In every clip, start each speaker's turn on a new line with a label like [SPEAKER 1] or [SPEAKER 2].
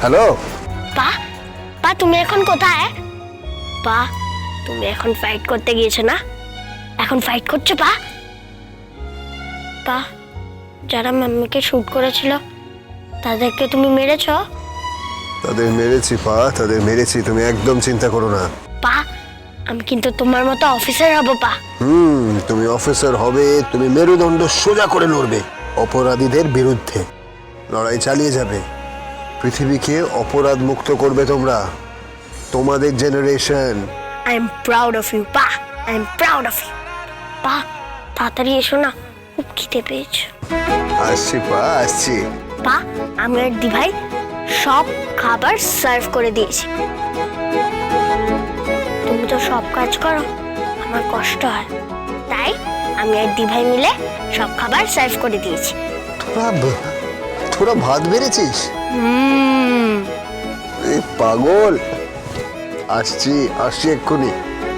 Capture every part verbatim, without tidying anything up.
[SPEAKER 1] Hello
[SPEAKER 2] পা পা তুমি এখন কোথায়? পা তুমি এখন ফাইট করতে গিয়েছো না? এখন ফাইট করছো পা? পা যারা মাম্মিকে শুট করেছিল তাদেরকে তুমি মেরেছো?
[SPEAKER 1] তাদের মেরেছি পা, তাদের মেরেছি, তুমি একদম চিন্তা করো না।
[SPEAKER 2] পা আমি কিন্তু তোমার মতো অফিসার হব পা।
[SPEAKER 1] হুম তুমি অফিসার হবে, তুমি মেরুদণ্ড সোজা করে লড়বে অপরাধীদের বিরুদ্ধে, লড়াই চালিয়ে যাবে, পৃথিবীকে অপরাধ মুক্ত করবে তোমরা, তোমাদের generation.
[SPEAKER 2] I am proud of you পা, I am proud of you. পা তাড়াতাড়ি এসো না, খুব খিদে পেয়েছে।
[SPEAKER 1] আসছি পা, আসছি।
[SPEAKER 2] পা আমি আর দি ভাই সব খাবার সার্ভ করে দিয়েছি। তুমি তো সব কাজ করো, আমার কষ্ট হয়, তাই আমি আর দি ভাই মিলে সব খাবার সার্ভ করে দিয়েছি।
[SPEAKER 1] তোরা তোরা ভাত বেড়েছিস?
[SPEAKER 2] হুম
[SPEAKER 1] এই পাগল, আসছি আসছি এক্ষুনি।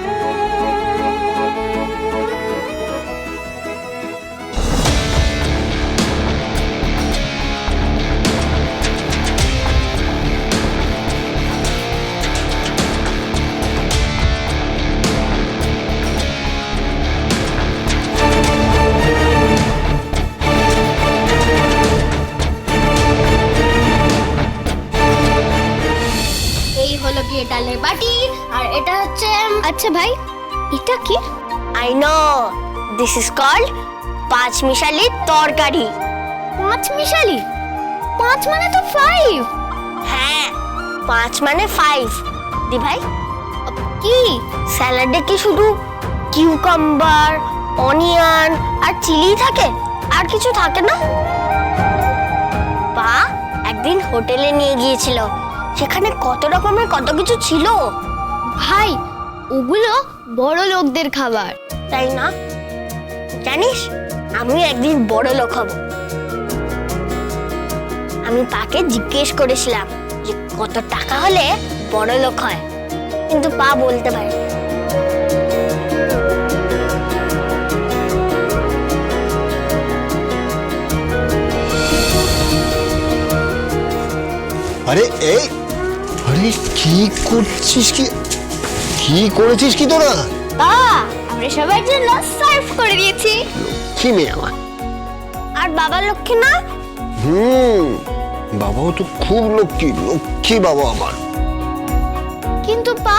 [SPEAKER 3] এই হলো গিয়ে ডালের বাটি, আর এটা হচ্ছে আচ্ছা ভাই এটা কি?
[SPEAKER 2] I know, this is called পাঁচ মিশালি তরকারি।
[SPEAKER 3] পাঁচ মিশালি? পাঁচ মানে তো ফাইভ।
[SPEAKER 2] হ্যাঁ পাঁচ মানে ফাইভ। দি ভাই
[SPEAKER 3] কি
[SPEAKER 2] স্যালাডে কি শুধু কিউকাম্বার, অনিয়ন আর চিলি থাকে, আর কিছু থাকে না? পা একদিন হোটেলে নিয়ে গিয়েছিল, সেখানে কত রকমের কত কিছু ছিল।
[SPEAKER 3] ভাই ওগুলো বড় লোকদের খাবার।
[SPEAKER 2] তাই না? জানিস আমি একদিন বড় লোক হব। আমি পাকে জিজ্ঞেস করেছিলাম যে কত টাকা হলে বড় লোক হয়, কিন্তু পা বলতে পারে।
[SPEAKER 1] আরে এই আরে কি করছিস, কি কি করেছিস কি তোরা?
[SPEAKER 3] তা আমরা সবার জন্য সার্ভ করে দিয়েছি।
[SPEAKER 1] কি মেয়ে আমার।
[SPEAKER 2] আর বাবা লক্ষ্মী না?
[SPEAKER 1] হুম বাবাও তো খুব লক্ষ্মী, লক্ষ্মী বাবা আমার।
[SPEAKER 3] কিন্তু পা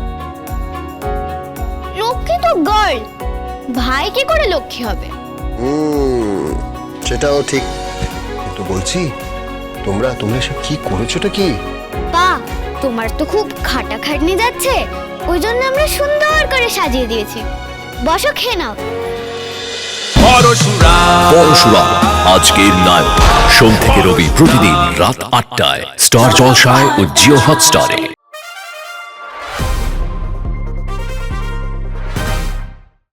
[SPEAKER 3] লক্ষ্মী তো গার্ল, ভাই কি করে লক্ষ্মী হবে?
[SPEAKER 1] হুম সেটাও ঠিক, কিন্তু বলছি তোমরা তোমরা সব কি করেছোটা কি?
[SPEAKER 3] পা তোমার তো খুব খাটাখাটনি যাচ্ছে, ওই জন্য আমরা সুন্দর করে সাজিয়ে দিয়েছি। বসো, খেয়ে নাও।
[SPEAKER 4] পরশুরা আজকের নায়ক, সোম থেকে রবি প্রতিদিন রাত আটটায় স্টার জলসায় ও জিও হটস্টারে।